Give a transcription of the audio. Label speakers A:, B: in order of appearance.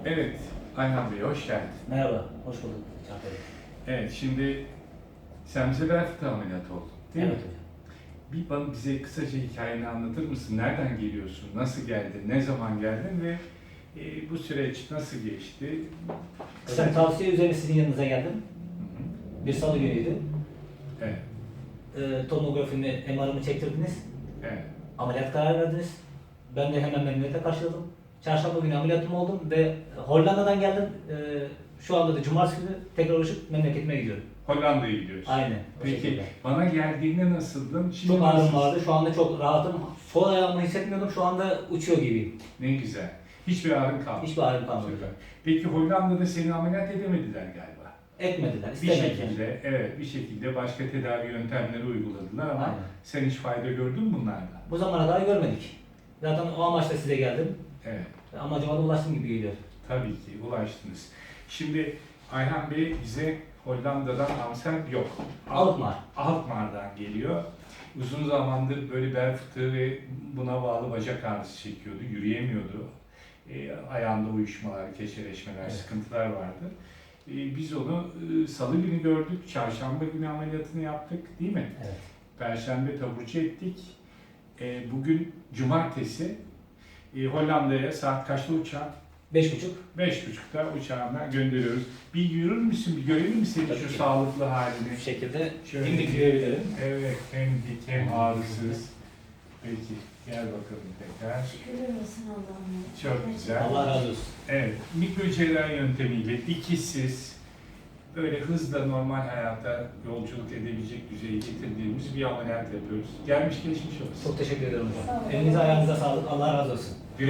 A: Evet, Ayhan Bey hoş geldin.
B: Merhaba, hoş bulduk Çağatay Bey.
A: Evet, şimdi sen bize bel fıtığı ameliyatı oldun, değil
B: Evet
A: mi?
B: hocam.
A: Bize kısaca hikayeni anlatır mısın? Nereden geliyorsun? Nasıl geldin? Ne zaman geldin ve bu süreç nasıl geçti?
B: Kısa bir tavsiye üzerine sizin yanınıza geldim.
A: Hı hı.
B: Bir salı günüydü.
A: Evet,
B: Tomografimi, MR'ımı çektirdiniz.
A: evet.
B: Ameliyat kararı verdiniz. Ben de hemen memnuniyetle karşıladım. Çarşamba günü ameliyatım oldum ve Hollanda'dan geldim. Şu anda da cumartesi günü tekrar uçup memleketime gidiyorum.
A: Hollanda'ya gidiyorsun.
B: Aynen. O
A: Peki,
B: şekilde.
A: bana geldiğinde nasıldın? Şimdi
B: Çok ağrım
A: nasılsın?
B: vardı. Şu anda çok rahatım. Sol ayağımı hissetmiyordum. Şu anda uçuyor gibiyim.
A: Ne güzel. Hiçbir ağrın kalmadı.
B: Hiçbir ağrım kalmadı.
A: Süper. Peki Hollanda'da seni ameliyat edemediler galiba.
B: Etmediler,
A: Bir
B: istemediler.
A: şekilde, evet bir şekilde başka tedavi yöntemleri uyguladılar ama
B: Aynen.
A: sen hiç fayda gördün mü bunlardan?
B: Bu zamana kadar görmedik. Zaten o amaçla size geldim.
A: Evet,
B: Amacıma da ulaştım gibi geliyor.
A: tabii ki ulaştınız. Şimdi Ayhan Bey bize Hollanda'dan Amstel yok.
B: Alkmaar.
A: Alkmaar'dan geliyor. Uzun zamandır böyle bel fıtığı ve buna bağlı bacak ağrısı çekiyordu, yürüyemiyordu. Ayağında uyuşmalar, keşeleşmeler,
B: Evet.
A: sıkıntılar vardı. Biz onu salı günü gördük, çarşamba günü ameliyatını yaptık değil mi?
B: Evet.
A: Perşembe taburcu ettik. Bugün cumartesi. Hollanda'ya saat kaçta uçağın?
B: 5.30.
A: 5.30'da uçağına gönderiyoruz. Bir yürür müsün, bir görelim mi senin
B: Tabii
A: şu
B: ki.
A: sağlıklı halini?
B: Bu şekilde
A: Şöyle
B: dimdik
A: bir-
B: yürüyebilirim.
A: Evet, hem dik hem ağrısız. Peki, gel bakalım tekrar.
C: Şükürler olsun Allah'ım.
A: Çok güzel.
B: Allah razı olsun.
A: Evet, mikrocerrahi yöntemiyle dikişsiz, böyle hızla normal hayata yolculuk edebilecek düzeye getirdiğimiz bir ameliyat yapıyoruz. Gelmiş geçmiş olsun.
B: Çok teşekkür ederim
C: Sağ
B: hocam.
C: olun.
B: Elinize ayağınıza sağlık. Allah razı olsun.